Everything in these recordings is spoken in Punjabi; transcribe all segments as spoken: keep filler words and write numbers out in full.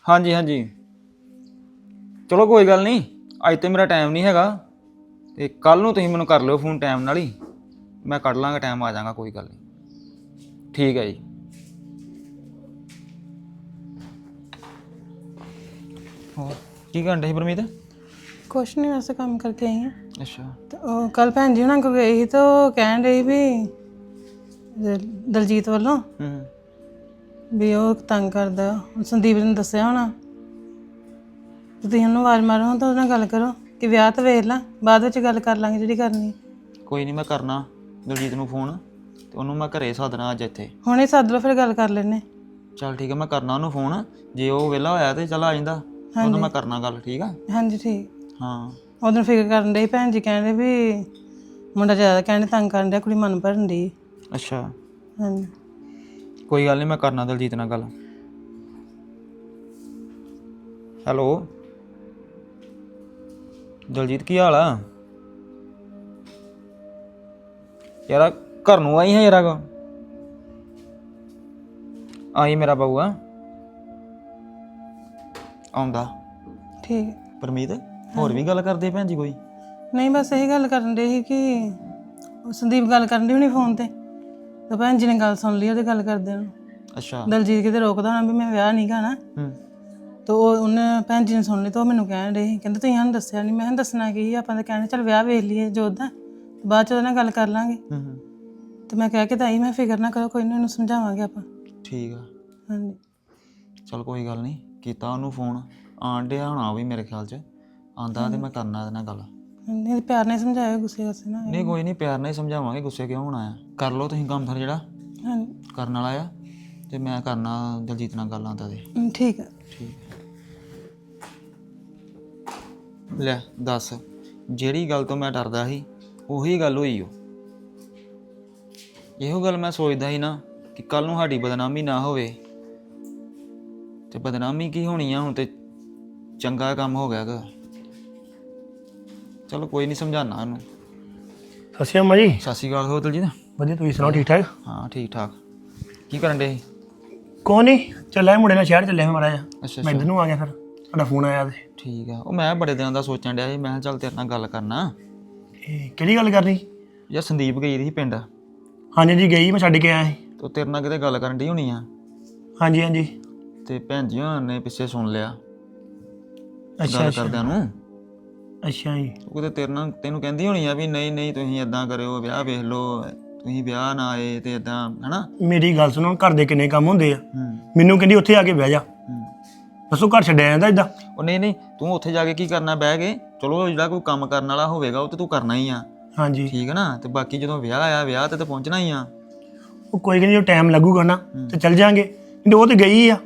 ਹਾਂਜੀ ਹਾਂਜੀ ਚਲੋ ਕੋਈ ਗੱਲ ਨਹੀਂ, ਅੱਜ ਤੇ ਮੇਰਾ ਟਾਈਮ ਨਹੀਂ ਹੈਗਾ ਤੇ ਕੱਲ ਨੂੰ ਤੁਸੀਂ ਮੈਨੂੰ ਕਰ ਲਿਓ ਫੋਨ ਟਾਈਮ ਨਾਲ ਹੀ, ਮੈਂ ਕੱਢ ਲਾਂਗਾ ਟਾਈਮ, ਆ ਜਾਵਾਂਗਾ, ਕੋਈ ਗੱਲ ਨਹੀਂ। ਠੀਕ ਹੈ ਜੀ। ਹੋਰ ਕੀ ਕਰਨ ਡੇ ਸੀ ਪਰਮੀਤ? ਕੁਛ ਨਹੀਂ, ਵੈਸੇ ਕੰਮ ਕਰਕੇ ਆਈ ਹਾਂ। ਅੱਛਾ। ਤੇ ਉਹ ਕੱਲ ਭੈਣ ਜੀ ਉਹਨਾਂ ਕੋਲ ਗਈ ਸੀ ਤਾਂ ਉਹ ਕਹਿਣ ਰਹੀ ਵੀ ਦ- ਦਲਜੀਤ ਵੱਲੋਂ ਹੂੰ ਵੀ ਉਹ ਤੰਗ ਕਰਦਾ। ਹੁਣ ਸੰਦੀਪ ਨੇ ਦੱਸਿਆ ਹੋਣਾ ਤੇ ਤੁਸੀਂ ਉਹਨੂੰ ਆਵਾਜ਼ ਮਾਰੋ ਤਾਂ ਉਹਦੇ ਨਾਲ ਗੱਲ ਕਰੋ ਕਿ ਵਿਆਹ ਤਾਂ ਵੇਖ ਲਾ, ਬਾਅਦ ਵਿੱਚ ਗੱਲ ਕਰ ਲਾਂਗੇ ਜਿਹੜੀ ਕਰਨੀ। ਕੋਈ ਨਹੀਂ, ਮੈਂ ਕਰਨਾ ਦਲਜੀਤ ਨੂੰ ਫੋਨ ਤੇ ਉਹਨੂੰ ਮੈਂ ਘਰੇ ਸੱਦਣਾ ਅੱਜ ਇੱਥੇ। ਹੁਣੇ ਸੱਦ ਲਓ, ਫਿਰ ਗੱਲ ਕਰ ਲੈਨੇ। ਚੱਲ ਠੀਕ ਹੈ, ਮੈਂ ਕਰਨਾ ਉਹਨੂੰ ਫੋਨ, ਜੇ ਉਹ ਵਿਹਲਾ ਹੋਇਆ ਤੇ ਚੱਲ ਆ ਜਾਂਦਾ, ਉਹਨੂੰ ਮੈਂ ਕਰਨਾ ਗੱਲ। ਠੀਕ ਆ? ਹਾਂਜੀ ਠੀਕ। ਹਾਂ ਉਦੋਂ ਫਿਕਰ ਕਰਨ ਡਈ ਭੈਣ ਜੀ, ਕਹਿੰਦੇ ਵੀ ਮੁੰਡਾ ਜ਼ਿਆਦਾ ਕਹਿੰਦੇ ਤੰਗ ਕਰਨ ਡਿਆ, ਕੁੜੀ ਮਨ ਭਰਨ ਡਈ। ਅੱਛਾ, ਹਾਂਜੀ ਕੋਈ ਗੱਲ ਨਹੀਂ, ਮੈਂ ਕਰਨਾ ਦਲਜੀਤ ਨਾਲ ਗੱਲ। ਹੈਲੋ ਦਲਜੀਤ, ਕੀ ਹਾਲ ਆ? ਯਾਰ ਘਰ ਨੂੰ ਆਈ ਹੈ ਯਾਰ, ਕੋ ਆਈ ਮੇਰਾ ਬਹੂ ਆ ਆਉਂਦਾ। ਠੀਕ ਹੈ। ਪਰਮੀਤ, ਹੋਰ ਵੀ ਗੱਲ ਕਰਦੇ ਭੈਣ ਜੀ ਕੋਈ? ਨਹੀਂ, ਬਸ ਇਹੀ ਗੱਲ ਕਰਨ ਦੇ ਸੀ ਕਿ ਉਹ ਸੰਦੀਪ ਗੱਲ ਕਰਨ ਦੀ ਹੋਣੀ ਫੋਨ ਤੇ ਤਾਂ ਭੈਣ ਜੀ ਨੇ ਗੱਲ ਸੁਣ ਲਈ ਉਹਦੀ ਗੱਲ ਕਰਦੇ ਨੂੰ। ਅੱਛਾ। ਦਲਜੀਤ ਕਿਤੇ ਰੋਕਦਾ ਹੋਣਾ ਵੀ ਮੈਂ ਵਿਆਹ ਨਹੀਂ ਕਰਨਾ, ਹੂੰ ਤਾਂ ਉਹ ਉਹਨੇ ਭੈਣ ਜੀ ਨੇ ਸੁਣ ਲਈ ਤਾਂ ਉਹ ਮੈਨੂੰ ਕਹਿਣ ਡੇ ਸੀ, ਕਹਿੰਦੇ ਤੁਸੀਂ ਸਾਨੂੰ ਦੱਸਿਆ ਨਹੀਂ। ਮੈਂ ਕਿਹਾ ਦੱਸਣਾ ਕੀ, ਆਪਾਂ ਤਾਂ ਕਹਿੰਦੇ ਚੱਲ ਵਿਆਹ ਵੇਖ ਲਈਏ ਜੋਤ ਦਾ, ਬਾਅਦ ਚ ਉਹਦੇ ਨਾਲ ਗੱਲ ਕਰ ਲਾਂਗੇ। ਹੂੰ ਹੂੰ ਤੇ ਮੈਂ ਕਹਿ ਕੇ ਤਾਂ ਆਈ, ਮੈਂ ਫਿਕਰ ਨਾ ਕਰੋ, ਕੋਈ ਨਹੀਂ, ਉਹਨੂੰ ਸਮਝਾਵਾਂਗੇ ਆਪਾਂ। ਠੀਕ ਆ, ਹਾਂਜੀ ਚਲ ਕੋਈ ਗੱਲ ਨਹੀਂ, ਕੀਤਾ ਉਹਨੂੰ ਫੋਨ, ਆਣ ਡਿਆ ਹੋਣਾ ਉਹ ਵੀ ਮੇਰੇ ਖਿਆਲ 'ਚ, ਆਂਦਾ ਤੇ ਮੈਂ ਕਰਨਾ ਇਹਦੇ ਨਾਲ ਗੱਲ। ਨਹੀਂ, ਪਿਆਰ ਨਾਲ ਸਮਝਾਇਆ, ਗੁੱਸੇ ਗੁੱਸੇ ਨਾ। ਨਹੀਂ ਕੋਈ ਨਹੀਂ, ਪਿਆਰ ਨਾਲ ਹੀ ਸਮਝਾਵਾਂਗੇ, ਗੁੱਸੇ ਕਿਉਂ ਹੋਣਾ ਆ। ਕਰ ਲਓ ਤੁਸੀਂ ਕੰਮ ਫਿਰ ਜਿਹੜਾ ਹਾਂਜੀ ਕਰਨ ਵਾਲਾ ਆ, ਤੇ ਮੈਂ ਕਰਨਾ ਦਲਜੀਤ ਨਾਲ ਗੱਲ ਆਂਦਾ ਤੇ। ਹਮ, ਠੀਕ ਹੈ। ਠੀਕ ਲੈ ਦੱਸ, ਜਿਹੜੀ ਗੱਲ ਤੋਂ ਮੈਂ ਡਰਦਾ ਸੀ ਉਹੀ ਗੱਲ ਹੋਈ ਓ। ਇਹੋ ਗੱਲ ਮੈਂ ਸੋਚਦਾ ਸੀ ਨਾ ਕਿ ਕੱਲ ਨੂੰ ਸਾਡੀ ਬਦਨਾਮੀ ਨਾ ਹੋਵੇ, ਤੇ ਬਦਨਾਮੀ ਕੀ ਹੋਣੀ ਆ, ਹੁਣ ਤੇ ਚੰਗਾ ਕੰਮ ਹੋ ਗਿਆ ਗਾ। ਚਲੋ ਕੋਈ ਨਹੀਂ, ਸਮਝਾਉਣਾ ਉਹਨੂੰ। ਸਤਿ ਸ਼੍ਰੀ ਅਕਾਲ ਜੀ। ਸਤਿ ਸ਼੍ਰੀ ਅਕਾਲ। ਹੋ ਦਲਜੀਤ? ਵਧੀਆ, ਤੁਸੀਂ ਸੁਣਾਓ, ਠੀਕ ਠਾਕ? ਹਾਂ ਠੀਕ ਠਾਕ। ਕੀ ਕਰਨ ਡੇ? ਕੋਈ ਨਹੀਂ, ਚੱਲਿਆ ਮੁੰਡੇ ਨਾਲ ਸ਼ਹਿਰ ਚੱਲਿਆ ਮਾੜਾ ਜਿਹਾ। ਅੱਛਾ ਮੈਂ ਇੱਧਰ ਨੂੰ ਆ ਗਿਆ, ਫਿਰ ਤੁਹਾਡਾ ਫੋਨ ਆਇਆ ਤੇ। ਠੀਕ ਆ, ਉਹ ਮੈਂ ਬੜੇ ਦਿਨਾਂ ਦਾ ਸੋਚਣ ਡਿਆ ਸੀ, ਮੈਂ ਕਿਹਾ ਚੱਲ ਤੇਰੇ ਨਾਲ ਗੱਲ ਕਰਨਾ। ਇਹ ਕਿਹੜੀ ਗੱਲ ਕਰਨੀ? ਯਾਰ ਸੰਦੀਪ ਗਈ ਸੀ ਪਿੰਡ, ਹਾਂਜੀ ਜੀ ਗਈ, ਮੈਂ ਛੱਡ ਕੇ ਆਇਆ ਸੀ। ਤੇ ਉਹ ਤੇਰੇ ਨਾਲ ਕਿਤੇ ਗੱਲ ਕਰਨ ਡਈ ਹੋਣੀ ਆ, ਹਾਂਜੀ ਹਾਂਜੀ। ਤੇ ਭੈਣ ਜੀ ਹੋਣਾ ਨੇ ਪਿੱਛੇ ਸੁਣ ਲਿਆ ਅੱਛਾ ਗੱਲ ਅੱਛਾ ਕਰਦਿਆਂ ਨੂੰ। ਅੱਛਾ ਜੀ। ਉਹ ਕਿਤੇ ਤੇਰੇ ਨਾਲ ਤੈਨੂੰ ਕਹਿੰਦੀ ਹੋਣੀ ਆ ਵੀ ਨਹੀਂ ਨਹੀਂ ਤੁਸੀਂ ਇਦਾਂ ਕਰਿਓ, ਵਿਆਹ ਵੇਖ ਲਓ, ਤੁਸੀਂ ਵਿਆਹ ਨਾ ਆਏ ਤੇ ਇਦਾਂ, ਹਨਾ? ਮੇਰੀ ਗੱਲ ਸੁਣੋ, ਘਰ ਦੇ ਕਿੰਨੇ ਕੰਮ ਹੁੰਦੇ ਆ। ਹੂੰ ਮੈਨੂੰ ਕਹਿੰਦੀ ਉੱਥੇ ਆ ਕੇ ਬਹਿ ਜਾ, ਹੂੰ ਦੱਸੋ ਘਰ ਛੱਡਿਆ ਜਾਂਦਾ ਇਦਾਂ? ਉਹ ਨਹੀਂ ਨਹੀਂ, ਤੂੰ ਉੱਥੇ ਜਾ ਕੇ ਕੀ ਕਰਨਾ ਬਹਿ ਕੇ? ਚਲੋ ਜਿਹੜਾ ਕੋਈ ਕੰਮ ਕਰਨ ਵਾਲਾ ਹੋਵੇਗਾ ਉਹ ਤੇ ਤੂੰ ਕਰਨਾ ਹੀ ਆ, ਹਾਂਜੀ। ਠੀਕ ਹੈ ਨਾ? ਤੇ ਬਾਕੀ ਜਦੋਂ ਵਿਆਹ ਆਇਆ, ਵਿਆਹ ਤੇ ਤਾਂ ਪਹੁੰਚਣਾ ਹੀ ਆ। ਉਹ ਕੋਈ ਨਹੀਂ, ਜੋ ਟਾਈਮ ਲੱਗੂਗਾ ਨਾ ਤੇ ਚੱਲ ਜਾਾਂਗੇ, ਨਹੀਂ ਉਹ ਤੇ ਗਈ ਆ।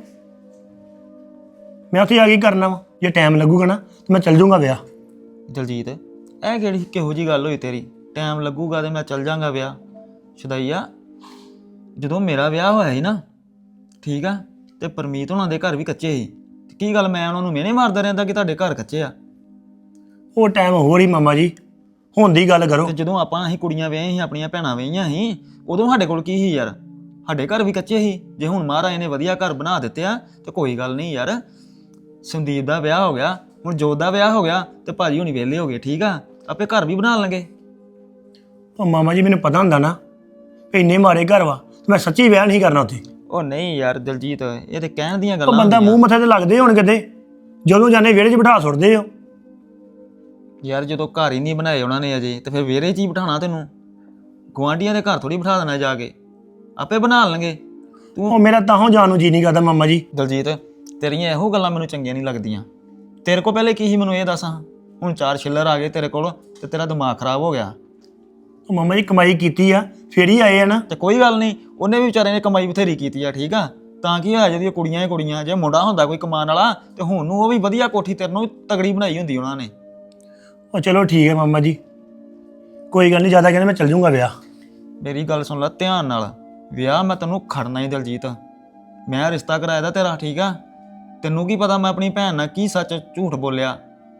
ਮੈਂ ਉੱਥੇ ਆ ਕੇ ਕਰਨਾ ਵਾ, ਜੇ ਟਾਈਮ ਲੱਗੂਗਾ ਨਾ ਤੇ ਮੈਂ ਚੱਲ ਜਾਊਂਗਾ ਵਿਆਹ। ਦਲਜੀਤ, ਇਹ ਕਿਹੜੀ ਕਿਹੋ ਜਿਹੀ ਗੱਲ ਹੋਈ ਤੇਰੀ? ਟਾਈਮ ਲੱਗੂਗਾ ਤੇ ਮੈਂ ਚੱਲ ਜਾਂਗਾ ਵਿਆਹ? ਸ਼ੁਦਾਈਆ, ਜਦੋਂ ਮੇਰਾ ਵਿਆਹ ਹੋਇਆ ਸੀ ਨਾ, ਠੀਕ ਆ, ਤੇ ਪਰਮੀਤ ਹੋਣਾ ਦੇ ਘਰ ਵੀ ਕੱਚੇ ਸੀ। ਤੇ ਕੀ ਗੱਲ, ਮੈਂ ਉਹਨਾਂ ਨੂੰ ਮਿਹਣੇ ਮਾਰਦਾ ਰਹਿੰਦਾ ਕਿ ਤੁਹਾਡੇ ਘਰ ਕੱਚੇ ਆ? ਉਹ ਟਾਈਮ ਹੋਰ ਹੀ ਮਾਮਾ ਜੀ, ਹੁਣ ਦੀ ਗੱਲ ਕਰੋ। ਤੇ ਜਦੋਂ ਆਪਾਂ ਅਸੀਂ ਕੁੜੀਆਂ ਵਿਆਹੀਆਂ ਸੀ, ਆਪਣੀਆਂ ਭੈਣਾਂ ਵਿਆਹੀਆਂ ਸੀ, ਉਦੋਂ ਸਾਡੇ ਕੋਲ ਕੀ ਸੀ ਯਾਰ? ਸਾਡੇ ਘਰ ਵੀ ਕੱਚੇ ਸੀ। ਜੇ ਹੁਣ ਮਹਾਰਾਜ ਨੇ ਵਧੀਆ ਘਰ ਬਣਾ ਦਿੱਤੇ ਆ ਤੇ ਕੋਈ ਗੱਲ ਨਹੀਂ ਯਾਰ। ਸੰਦੀਪ ਦਾ ਵਿਆਹ ਹੋ ਗਿਆ, ਹੁਣ ਜੋਤ ਦਾ ਵਿਆਹ ਹੋ ਗਿਆ, ਤੇ ਭਾਜੀ ਹੁਣੀ ਵਿਹਲੇ ਹੋ ਗਏ, ਠੀਕ ਆ, ਆਪੇ ਘਰ ਵੀ ਬਣਾ ਲਾਂਗੇ। ਉਹ ਮਾਮਾ ਜੀ, ਮੈਨੂੰ ਪਤਾ ਹੁੰਦਾ ਨਾ ਵੀ ਇੰਨੇ ਮਾਰੇ ਘਰ ਵਾ, ਤੇ ਮੈਂ ਸੱਚੀ ਵਿਆਹ ਨਹੀਂ ਕਰਨਾ ਉੱਥੇ। ਉਹ ਨਹੀਂ ਯਾਰ ਦਲਜੀਤ, ਇਹ ਤੇ ਕਹਿਣ ਦੀਆਂ ਉਹ ਗੱਲਾਂ ਬੰਦਾ ਮੂੰਹ ਮੱਥੇ ਤੇ ਲੱਗਦੇ ਹੁਣ ਕਿਤੇ, ਜਦੋਂ ਜਾਣੇ ਵਿਹੜੇ 'ਚ ਬਿਠਾ ਸੁੱਟਦੇ ਹੋ। ਯਾਰ ਜਦੋਂ ਘਰ ਹੀ ਨਹੀਂ ਬਣਾਏ ਉਹਨਾਂ ਨੇ ਅਜੇ, ਤੇ ਫਿਰ ਵਿਹੜੇ 'ਚ ਹੀ ਬਿਠਾਣਾ ਤੈਨੂੰ? ਗੁਆਂਢੀਆਂ ਦੇ ਘਰ ਥੋੜੀ ਬਿਠਾ ਦੇਣਾ ਜਾ ਕੇ, ਆਪੇ ਬਣਾ ਲੈਣਗੇ। ਤੂੰ ਉਹ ਮੇਰਾ ਤਾਹੋਂ ਜਾਣ ਨੂੰ ਜੀ ਨਹੀਂ ਕਰਦਾ ਮਾਮਾ ਜੀ। ਦਲਜੀਤ, ਤੇਰੀਆਂ ਇਹੋ ਗੱਲਾਂ ਮੈਨੂੰ ਚੰਗੀਆਂ ਨਹੀਂ ਲੱਗਦੀਆਂ। ਤੇਰੇ ਕੋਲ ਪਹਿਲੇ ਕੀ ਸੀ ਮੈਨੂੰ ਇਹ ਦੱਸ? ਹੁਣ ਚਾਰ ਛਿੱਲਰ ਆ ਗਏ ਤੇਰੇ ਕੋਲ ਤੇ ਤੇਰਾ ਦਿਮਾਗ ਖਰਾਬ ਹੋ ਗਿਆ। ਉਹ ਮਾਮਾ ਜੀ ਕਮਾਈ ਕੀਤੀ ਆ ਫੇਰ ਹੀ ਆਏ ਆ ਨਾ। ਤੇ ਕੋਈ ਗੱਲ ਨਹੀਂ, ਉਹਨੇ ਵੀ ਵਿਚਾਰੇ ਨੇ ਕਮਾਈ ਬਥੇਰੀ ਕੀਤੀ ਆ, ਠੀਕ ਆ, ਤਾਂ ਕੀ ਹੋਇਆ ਜਿਹਦੀਆਂ ਕੁੜੀਆਂ ਹੀ ਕੁੜੀਆਂ। ਜੇ ਮੁੰਡਾ ਹੁੰਦਾ ਕੋਈ ਕਮਾਉਣ ਵਾਲਾ ਤੇ ਹੁਣ ਨੂੰ ਉਹ ਵੀ ਵਧੀਆ ਕੋਠੀ ਤੇਰੇ ਨੂੰ ਤਗੜੀ ਬਣਾਈ ਹੁੰਦੀ ਉਹਨਾਂ ਨੇ। ਉਹ ਚਲੋ ਠੀਕ ਹੈ ਮਾਮਾ ਜੀ, ਕੋਈ ਗੱਲ ਨਹੀਂ, ਜ਼ਿਆਦਾ ਕਹਿੰਦੇ ਮੈਂ ਚੱਲ ਜਾਊਂਗਾ ਵਿਆਹ। ਮੇਰੀ ਗੱਲ ਸੁਣ ਲੈ ਧਿਆਨ ਨਾਲ, ਵਿਆਹ ਮੈਂ ਤੈਨੂੰ ਖੜਨਾ ਹੀ ਦਲਜੀਤ। ਮੈਂ ਰਿਸ਼ਤਾ ਕਰਾਇਆ ਦਾ ਤੇਰਾ, ਠੀਕ ਆ? ਤੈਨੂੰ ਕੀ ਪਤਾ ਮੈਂ ਆਪਣੀ ਭੈਣ ਨਾਲ ਕੀ ਸੱਚ ਝੂਠ ਬੋਲਿਆ?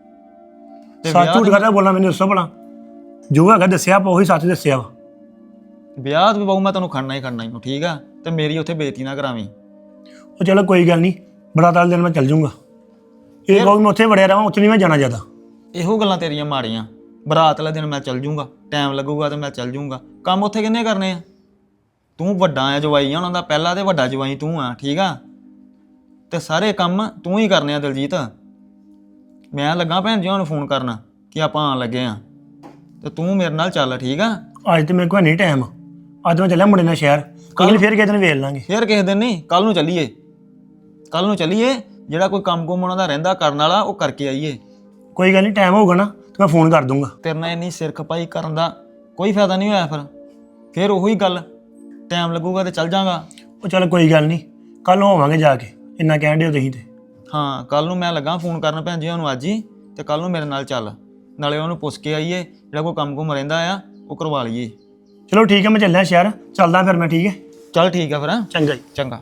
ਤੇ ਸੱਚ ਝੂਠ ਕਰਦਾ ਬੋਲਣਾ ਮੈਨੂੰ ਦੱਸੋ ਭਲਾ, ਜੋ ਹੈਗਾ ਦੱਸਿਆ ਆਪਾਂ ਉਹੀ ਸੱਚ ਦੱਸਿਆ ਵਾ। ਵਿਆਹ ਤੇ ਬਾਊ ਮੈਂ ਤੈਨੂੰ ਖੜਨਾ ਹੀ ਖੜਨਾ ਹੀ, ਠੀਕ ਆ? ਤੇ ਮੇਰੀ ਉੱਥੇ ਬੇਇੱਜ਼ਤੀ ਨਾ ਕਰਾਵੀਂ। ਉਹ ਚਲੋ ਕੋਈ ਗੱਲ ਨਹੀਂ, ਬਰਾਤ ਵਾਲੇ ਦਿਨ ਮੈਂ ਚੱਲ ਜੂੰਗਾ। ਇਹ ਕਹੋ ਮੈਂ ਉੱਥੇ ਵੜਿਆ ਰਹਾਂ, ਉੱਥੇ ਨਹੀਂ ਮੈਂ ਜਾਣਾ ਜ਼ਿਆਦਾ। ਇਹੋ ਗੱਲਾਂ ਤੇਰੀਆਂ ਮਾੜੀਆਂ। ਬਰਾਤ ਵਾਲੇ ਦਿਨ ਮੈਂ ਚੱਲ ਜੂੰਗਾ, ਟਾਈਮ ਲੱਗੂਗਾ ਤੇ ਮੈਂ ਚੱਲ ਜੂੰਗਾ। ਕੰਮ ਉੱਥੇ ਕਿੰਨੇ ਕਰਨੇ ਆ? ਤੂੰ ਵੱਡਾ ਆ ਜਵਾਈ ਆ ਉਹਨਾਂ ਦਾ, ਪਹਿਲਾ ਤੇ ਵੱਡਾ ਜਵਾਈ ਤੂੰ ਆ, ਠੀਕ ਆ? ਤੇ ਸਾਰੇ ਕੰਮ ਤੂੰ ਹੀ ਕਰਨੇ ਆ ਦਲਜੀਤ। ਮੈਂ ਲੱਗਾ ਭੈਣ ਜੀ ਨੂੰ ਫੋਨ ਕਰਨ ਕਿ ਆਪਾਂ ਆਉਣ ਲੱਗੇ ਆ, ਤੇ ਤੂੰ ਮੇਰੇ ਨਾਲ ਚੱਲ, ਠੀਕ ਆ? ਅੱਜ ਤੇ ਮੇਰੇ ਕੋਲ ਨਹੀਂ ਟਾਈਮ। ਅੱਜ ਮੈਂ ਚੱਲਿਆ ਮੁੰਡੇ ਨਾਲ ਸ਼ਹਿਰ, ਕੱਲ ਫਿਰ ਕਿਸੇ ਦਿਨ ਵੇਖ ਲਾਂਗੇ। ਫਿਰ ਕਿਸੇ ਦਿਨ ਨਹੀਂ, ਕੱਲ ਨੂੰ ਚੱਲੀਏ। ਕੱਲ ਨੂੰ ਚੱਲੀਏ, ਜਿਹੜਾ ਕੋਈ ਕੰਮ ਕੁਮ ਉਹਨਾਂ ਦਾ ਰਹਿੰਦਾ ਕਰਨ ਵਾਲਾ ਉਹ ਕਰਕੇ ਆਈਏ। ਕੋਈ ਗੱਲ ਨਹੀਂ, ਟਾਈਮ ਹੋਊਗਾ ਨਾ ਤੇ ਮੈਂ ਫੋਨ ਕਰ ਦੂੰਗਾ। ਤੇਰੇ ਨਾਲ ਇੰਨੀ ਸਿਰ ਖਪਾਈ ਕਰਨ ਦਾ ਕੋਈ ਫਾਇਦਾ ਨਹੀਂ ਹੋਇਆ। ਫਿਰ ਫਿਰ ਉਹੀ ਗੱਲ, ਟਾਈਮ ਲੱਗੂਗਾ ਤੇ ਚੱਲ ਜਾਗਾ। ਉਹ ਚੱਲ ਕੋਈ ਗੱਲ ਨਹੀਂ, ਕੱਲ ਨੂੰ ਹੋਵਾਂਗੇ ਜਾ ਕੇ, ਇੰਨਾ ਕਹਿਣ ਦਿਓ ਤੁਸੀਂ ਤੇ। ਹਾਂ, ਕੱਲ ਨੂੰ ਮੈਂ ਲੱਗਾ ਫੋਨ ਕਰਨ ਭੈਣ ਜੀ ਉਹਨੂੰ ਅੱਜ ਹੀ, ਤੇ ਕੱਲ ਨੂੰ ਮੇਰੇ ਨਾਲ ਚੱਲ, ਨਾਲੇ ਉਹਨੂੰ ਪੁੱਛ ਕੇ ਆਈਏ ਜਿਹੜਾ ਕੋਈ ਕੰਮ ਕੁਮ ਰਹਿੰਦਾ ਆ ਉਹ ਕਰਵਾ ਲਈਏ। ਚਲੋ ਠੀਕ ਹੈ, ਮੈਂ ਚੱਲਿਆ ਸ਼ਹਿਰ, ਚੱਲਦਾ ਫਿਰ ਮੈਂ। ਠੀਕ ਹੈ, ਚੱਲ ਠੀਕ ਆ ਫਿਰ। ਹੈਂ? ਚੰਗਾ ਜੀ। ਚੰਗਾ।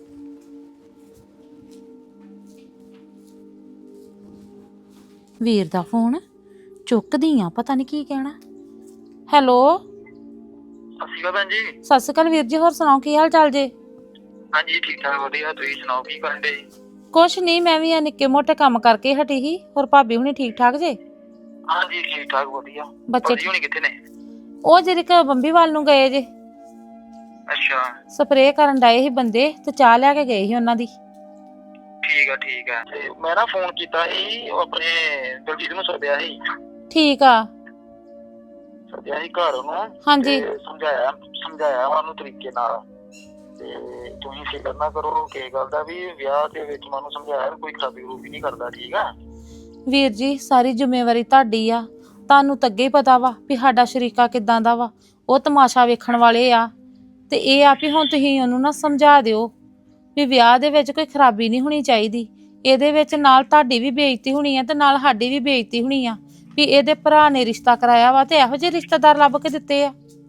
ਵੀਰ ਦਾ ਫੋਨ ਚੁੱਕਦੀ ਆ, ਪਤਾ ਨਹੀਂ ਕੀ ਕਹਿਣਾ। ਹੈਲੋ, ਸਤਿ ਸ਼੍ਰੀ ਅਕਾਲ ਭੈਣ ਜੀ। ਸਤਿ ਸ਼੍ਰੀ ਅਕਾਲ ਵੀਰ ਜੀ, ਹੋਰ ਸੁਣਾਓ ਕੀ ਹਾਲ ਚਾਲ ਜੇ? ਹਾਂਜੀ ਠੀਕ ਠਾਕ ਵਧੀਆ, ਤੁਸੀਂ ਸੁਣਾਓ ਕੀ ਕਰਨ ਦੇ? ਕੁਛ ਨਹੀਂ, ਮੈਂ ਵੀ ਆ ਨਿੱਕੇ ਮੋਟੇ ਕੰਮ ਕਰਕੇ ਹਟੀ ਸੀ। ਹੋਰ ਭਾਬੀ ਹੁਣੀ ਠੀਕ ਠਾਕ ਜੇ? ਹਾਂਜੀ ਠੀਕ ਠਾਕ ਵਧੀਆ। ਬੱਚੇ ਭਾਜੀ ਹੁਣੀ ਕਿੱਥੇ ਨੇ? ਉਹ ਜਿਹੜੇ ਕ ਬੰਬੀ ਵੱਲ ਨੂੰ ਗਏ ਜੇ, ਅੱਛਾ ਸਪਰੇਅ ਕਰਨ ਡਏ ਸੀ ਬੰਦੇ, ਤੇ ਚਾਹ ਲੈ ਕੇ ਗਏ ਸੀ ਉਹਨਾਂ ਦੀ। ਠੀਕ ਆ ਠੀਕ ਆ। ਤੇ ਮੈਂ ਨਾ ਫੋਨ ਕੀਤਾ ਸੀ, ਉਹ ਆਪਣੇ ਦਲਜੀਤ ਨੂੰ ਸੱਦਿਆ ਸੀ। ਠੀਕ ਆ। ਸੱਦਿਆ ਸੀ ਘਰ ਉਹਨੂੰ। ਹਾਂਜੀ। ਤੇ ਸਮਝਾਇਆ ਸਮਝਾਇਆ ਉਹਨੂੰ ਤਰੀਕੇ ਨਾਲ। ਤੇ ਤੁਸੀਂ ਫਿਕਰ ਨਾ ਕਰੋ ਕਿਸੇ ਗੱਲ ਦਾ ਵੀ, ਵਿਆਹ ਦੇ ਵਿੱਚ ਮੈਨੂੰ ਸਮਝਾਇਆ ਕੋਈ ਖਰਾਬੀ ਖਰੂਬੀ ਨਹੀਂ ਕਰਦਾ, ਠੀਕ ਆ? ਵੀਰ ਜੀ, ਸਾਰੀ ਜ਼ਿੰਮੇਵਾਰੀ ਤੁਹਾਡੀ ਆ। ਤੁਹਾਨੂੰ ਤਾਂ ਅੱਗੇ ਹੀ ਪਤਾ ਵਾ ਵੀ ਸਾਡਾ ਸ਼ਰੀਕਾ ਕਿੱਦਾਂ ਦਾ ਵਾ। ਉਹ ਤਮਾਸ਼ਾ ਵੇਖਣ ਵਾਲੇ ਆ। ਤੇ ਇਹ ਆ ਵੀ ਹੁਣ ਤੁਸੀਂ ਉਹਨੂੰ ਨਾ ਸਮਝਾ ਦਿਓ ਵੀ ਵਿਆਹ ਦੇ ਵਿੱਚ ਕੋਈ ਖਰਾਬੀ ਨਹੀਂ ਹੋਣੀ ਚਾਹੀਦੀ। ਇਹਦੇ ਵਿੱਚ ਨਾਲ ਤੁਹਾਡੀ ਵੀ ਬੇਇੱਜ਼ਤੀ ਹੋਣੀ ਆ ਤੇ ਨਾਲ ਸਾਡੀ ਵੀ ਬੇਇੱਜ਼ਤੀ ਹੋਣੀ ਆ ਵੀ ਇਹਦੇ ਭਰਾ ਨੇ ਰਿਸ਼ਤਾ ਕਰਾਇਆ ਵਾ ਤੇ ਇਹੋ ਜਿਹੇ ਰਿਸ਼ਤੇਦਾਰ ਲੱਭ ਕੇ ਦਿੱਤੇ ਆ।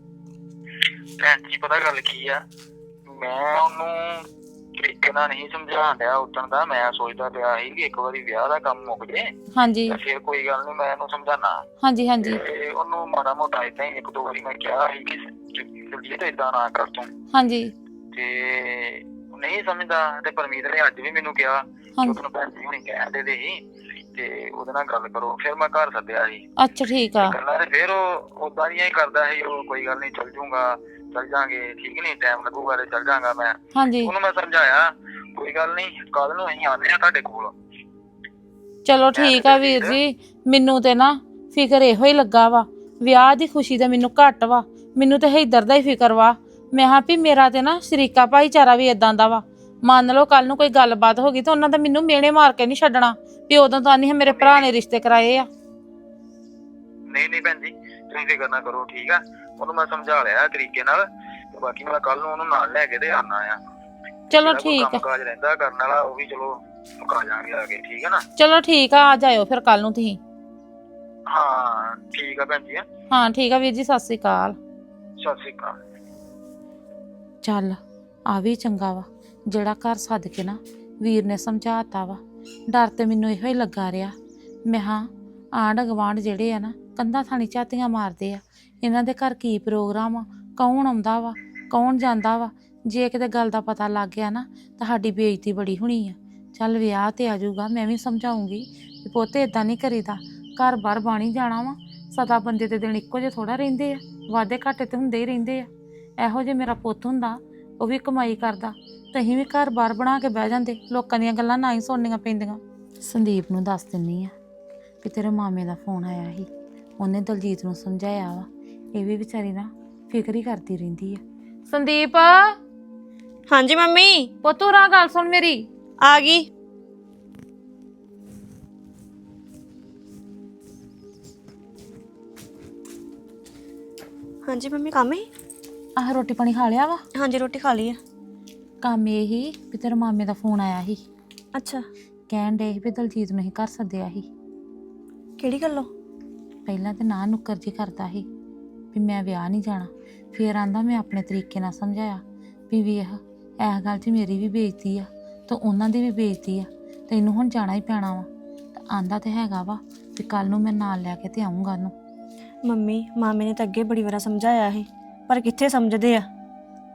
ਭੈਣ ਜੀ ਪਤਾ ਗੱਲ ਕੀ ਆ, ਮੈਂ ਉਹਨੂੰ ਤਰੀਕੇ ਨਾਲ ਨਹੀਂ ਸਮਝਾਉਣ ਡਿਆ ਉਦਣ ਦਾ। ਮੈਂ ਸੋਚਦਾ ਪਿਆ ਸੀ ਕਿ ਇੱਕ ਵਾਰੀ ਵਿਆਹ ਦਾ ਕੰਮ ਮੁੱਕ ਜੇ ਹਾਂਜੀ ਤੇ ਫਿਰ ਕੋਈ ਗੱਲ ਨਹੀਂ, ਮੈਂ ਇਹਨੂੰ ਸਮਝਾਣਾ। ਹਾਂਜੀ ਹਾਂਜੀ ਤੇ ਉਹਨੂੰ ਮਾੜਾ ਮੋਟਾ ਏਦਾਂ ਹੀ ਇੱਕ ਦੋ ਵਾਰੀ ਮੈਂ ਕਿਹਾ ਸੀ ਕਿ ਜਲਦੀ ਤੇ ਏਦਾਂ ਨਾ ਕਰ ਤੂੰ, ਹਾਂਜੀ ਤੇ ਉਹ ਨਹੀਂ ਸਮਝਦਾ। ਤੇ ਪਰਮੀਤ ਨੇ ਅੱਜ ਵੀ ਮੈਨੂੰ ਕਿਹਾ ਕਿ ਉਹਨੂੰ ਭੈਣ ਜੀ ਹੁਣੀ ਕਹਿੰਦੇ ਦੇ ਸੀ ਤੇ ਉਹਦੇ ਨਾਲ ਗੱਲ ਕਰੋ। ਫਿਰ ਮੈਂ ਘਰ ਸੱਦਿਆ ਸੀ। ਅੱਛਾ ਠੀਕ ਆ। ਗੱਲਾਂ ਤੇ ਫਿਰ ਉਹ ਉਦਾਂ ਦੀਆਂ ਹੀ ਕਰਦਾ ਸੀ। ਉਹ ਕੋਈ ਗੱਲ ਨਹੀਂ ਚੱਲ ਜੂਗਾ, ਚੱਲ ਜਾਾਂਗੇ, ਠੀਕ ਨਹੀਂ, ਟਾਈਮ ਲੱਗੂਗਾ ਤੇ ਚੱਲ ਜਾਗਾ ਮੈਂ। ਹਾਂਜੀ ਉਹਨੂੰ ਮੈਂ ਸਮਝਾਇਆ ਕੋਈ ਗੱਲ ਨਹੀਂ, ਕੱਲ ਨੂੰ ਅਸੀਂ ਆਉਂਦੇ ਆ ਤੁਹਾਡੇ ਕੋਲ। ਚਲੋ ਠੀਕ ਆ ਵੀਰ ਜੀ, ਮੈਨੂੰ ਤੇ ਨਾ ਫਿਕਰ ਇਹੋ ਹੀ ਲੱਗਾ ਵਾ, ਵਿਆਹ ਦੀ ਖੁਸ਼ੀ ਤਾਂ ਮੈਨੂੰ ਘੱਟ ਵਾ, ਮੈਨੂੰ ਤੇ ਇੱਧਰ ਦਾ ਹੀ ਫਿਕਰ ਵਾ। ਮੈਂ ਹਾਂ ਵੀ ਮੇਰਾ ਤੇ ਨਾ ਸ਼ਰੀਕਾ ਭਾਈਚਾਰਾ ਵੀ ਇਦਾਂ ਦਾ ਵਾ। ਮੰਨ ਲਓ ਕੱਲ ਨੂੰ ਕੋਈ ਗੱਲਬਾਤ ਹੋ ਗਈ ਤਾਂ ਉਹਨਾਂ ਦਾ ਮੈਨੂੰ ਮਿਹਣੇ ਮਾਰ ਕੇ ਨਹੀਂ ਛੱਡਣਾ ਵੀ ਉਦੋਂ ਤਾਂ ਨਹੀਂ ਮੇਰੇ ਭਰਾ ਨੇ ਰਿਸ਼ਤੇ ਕਰਾਏ ਆ। ਨਹੀਂ ਨਹੀਂ ਭੈਣ ਜੀ, ਤੁਸੀਂ ਫਿਕਰ ਨਾ ਕਰੋ, ਠੀਕ ਆ? ਉਹਨੂੰ ਮੈਂ ਸਮਝਾ ਲਿਆ ਤਰੀਕੇ ਨਾਲ, ਤੇ ਬਾਕੀ ਮੈਂ ਕੱਲ ਨੂੰ ਉਹਨੂੰ ਨਾਲ ਲੈ ਕੇ ਤੇ ਆਉਣਾ ਆ। ਚਲੋ ਠੀਕ ਆ। ਕੰਮ ਕਾਜ ਰਹਿੰਦਾ ਕਰਨ ਵਾਲਾ ਉਹ ਵੀ ਚਲੋ ਮੁਕਾ ਜਾਾਂਗੇ ਆ ਕੇ, ਠੀਕ ਆ ਨਾ? ਚਲੋ ਠੀਕ ਆ, ਆ ਜਾਇਓ ਫਿਰ ਕੱਲ ਨੂੰ ਤੁਸੀਂ। ਹਾਂ ਠੀਕ ਆ ਭੈਣ ਜੀ। ਹਾਂ ਠੀਕ ਆ ਵੀਰ ਜੀ, ਸਤਿ ਸ੍ਰੀ ਅਕਾਲ। ਸਤਿ ਸ਼੍ਰੀ ਅਕਾਲ। ਚੱਲ ਆ ਵੀ ਚੰਗਾ ਵਾ ਜਿਹੜਾ ਘਰ ਸੱਦ ਕੇ ਨਾ ਵੀਰ ਨੇ ਸਮਝਾਤਾ ਵਾ। ਡਰ ਤੇ ਮੈਨੂੰ ਇਹੋ ਹੀ ਲੱਗਾ ਰਿਹਾ, ਮੈਂ ਹਾਂ ਆਂਢ ਗਵਾਂਢ ਜਿਹੜੇ ਆ ਨਾ ਕੰਧਾਂ ਥਾਣੀ ਝਾਤੀਆਂ ਮਾਰਦੇ ਆ, ਇਹਨਾਂ ਦੇ ਘਰ ਕੀ ਪ੍ਰੋਗਰਾਮ ਆ, ਕੌਣ ਆਉਂਦਾ ਵਾ ਕੌਣ ਜਾਂਦਾ ਵਾ। ਜੇ ਕਿਤੇ ਗੱਲ ਦਾ ਪਤਾ ਲੱਗ ਗਿਆ ਨਾ ਤਾਂ ਸਾਡੀ ਬੇਇੱਜ਼ਤੀ ਬੜੀ ਹੋਣੀ ਆ। ਚੱਲ ਵਿਆਹ ਤੇ ਆ ਜਾਊਗਾ, ਮੈਂ ਵੀ ਸਮਝਾਉਂਗੀ ਵੀ ਪੁੱਤ ਇਦਾਂ ਨਹੀਂ ਕਰੀਦਾ, ਘਰ ਬਾਹਰ ਬਾਣੀ ਜਾਣਾ ਵਾ। ਸਦਾ ਬੰਦੇ ਦੇ ਦਿਨ ਇੱਕੋ ਜਿਹੇ ਥੋੜਾ ਰਹਿੰਦੇ ਆ, ਵਾਧੇ ਘਾਟੇ ਤੇ ਹੁੰਦੇ ਹੀ ਰਹਿੰਦੇ ਆ। ਇਹੋ ਜੇ ਮੇਰਾ ਪੁੱਤ ਹੁੰਦਾ, ਉਹ ਵੀ ਕਮਾਈ ਕਰਦਾ, ਤੇ ਅਸੀਂ ਵੀ ਘਰ ਬਾਹਰ ਬਣਾ ਕੇ ਬਹਿ ਜਾਂਦੇ, ਲੋਕਾਂ ਦੀਆਂ ਗੱਲਾਂ ਨਾ ਹੀ ਸੁਣਨੀਆਂ ਪੈਂਦੀਆਂ। ਸੰਦੀਪ ਨੂੰ ਦੱਸ ਦਿੰਨੀ ਆ ਕਿ ਤੇਰੇ ਮਾਮੇ ਦਾ ਫੋਨ ਆਇਆ ਸੀ, ਉਹਨੇ ਦਲਜੀਤ ਨੂੰ ਸਮਝਾਇਆ ਵਾ। ਇਹ ਵੀ ਵਿਚਾਰੀ ਨਾ ਫਿਕਰ ਹੀ ਕਰਦੀ ਰਹਿੰਦੀ ਆ। ਸੰਦੀਪ ਹਾਂਜੀ ਮੰਮੀ, ਪੁੱਤੂ ਰਾ ਗੱਲ ਸੁਣ ਮੇਰੀ। ਆ ਗਈ। ਹਾਂਜੀ ਮੰਮੀ, ਕੰਮ ਹੀ? ਆਹ ਰੋਟੀ ਪਾਣੀ ਖਾ ਲਿਆ ਵਾ? ਹਾਂਜੀ ਰੋਟੀ ਖਾ ਲਈ ਆ। ਕੰਮ ਇਹ ਹੀ ਵੀ ਤੇਰੇ ਮਾਮੇ ਦਾ ਫੋਨ ਆਇਆ ਸੀ, ਅੱਛਾ, ਕਹਿਣ ਡੇ ਸੀ ਵੀ ਦਲਜੀਤ ਨੂੰ ਹੀ ਘਰ ਸੱਦਿਆ ਸੀ। ਕਿਹੜੀ ਗੱਲੋਂ? ਪਹਿਲਾਂ ਤੇ ਨਾ ਨੁੱਕਰ ਜੀ ਕਰਦਾ ਸੀ ਵੀ ਮੈਂ ਵਿਆਹ ਨਹੀਂ ਜਾਣਾ, ਫਿਰ ਆਂਦਾ ਮੈਂ ਆਪਣੇ ਤਰੀਕੇ ਨਾਲ ਸਮਝਾਇਆ ਵੀ ਵੇਖ ਇਸ ਗੱਲ 'ਚ ਮੇਰੀ ਵੀ ਬੇਇੱਜ਼ਤੀ ਆ ਤੇ ਉਹਨਾਂ ਦੀ ਵੀ ਬੇਇੱਜ਼ਤੀ ਆ, ਤੈਨੂੰ ਹੁਣ ਜਾਣਾ ਹੀ ਪੈਣਾ ਵਾ। ਤਾਂ ਆਂਦਾ ਤੇ ਹੈਗਾ ਵਾ ਵੀ ਕੱਲ ਨੂੰ ਮੈਂ ਨਾਲ ਲੈ ਕੇ ਤੇ ਆਊਂਗਾ ਉਹਨੂੰ। ਮੰਮੀ ਮਾਮੇ ਨੇ ਤਾਂ ਅੱਗੇ ਬੜੀ ਵਾਰ ਸਮਝਾਇਆ ਸੀ, ਪਰ ਕਿੱਥੇ ਸਮਝਦੇ ਆ।